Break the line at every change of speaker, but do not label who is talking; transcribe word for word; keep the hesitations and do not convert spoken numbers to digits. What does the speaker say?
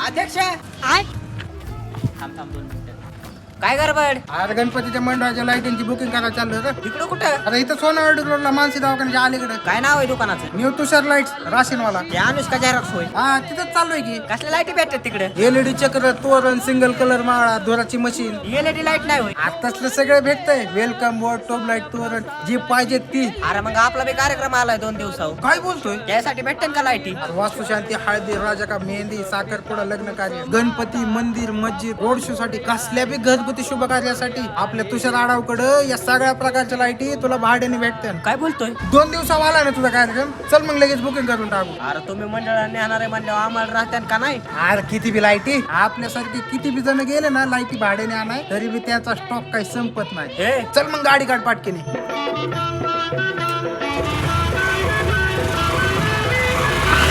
अध्यक्ष थांब थांब दोन मिनिटं. काय गडबड?
अरे गणपतीच्या मंडळाच्या लाईटिंगची बुकिंग करायला चाललं होतं.
तिकडं कुठं?
आता इथं सोनावडी रोडला मानसी दवाखान्याच्या अलीकडे
काय नाव आहे दुकानाचं?
न्यू तुषार लाईट्स राशीनवाला.
ते अनुष्का जाहिरात होय.
हा तिथंच चाललोय की.
कसल्या लाईटी भेटतात तिकडे?
एलईडी चक्र, तोरण, सिंगल कलर माळा, धुराची मशीन,
एलईडी लाईट नाही होय.
आताच सगळे भेटतंय. वेलकम बोर्ड, टोप लाईट, तोरण जी पाहिजे ती.
अरे मग आपला बी कार्यक्रम आलाय दोन दिवसावर.
काय बोलतोय?
त्यासाठी भेटते का लाईटी?
अरे वास्तुशांती, हळदी, राजा का मेहंदी, साखरपुडा, लग्न कार्य, गणपती, मंदिर, मस्जिद, रोड शो साठी, कसल्या बी घरगुती शुभ कार्यासाठी आपल्या तुषार आडावकडं या सगळ्या प्रकारच्या लाईटी तुला भाड्याने भेटतात.
काय बोलतोय?
दोन दिवसावर आला ना तुझा कार्यक्रम. चल मग लगेच बुकिंग करून टाकू.
अरे तुम्ही मंडळाने येणार आहे म्हणल्यावर आम्हाला राहत्यान का नाही?
अरे किती बी लाईटी आपल्यासारखे किती बी जण गेले ना लाईटी भाड्याने आणाय तरी बी त्याचा स्टॉक काही संपत नाही.
हे
चल मग गाडी काढ पाटकीने.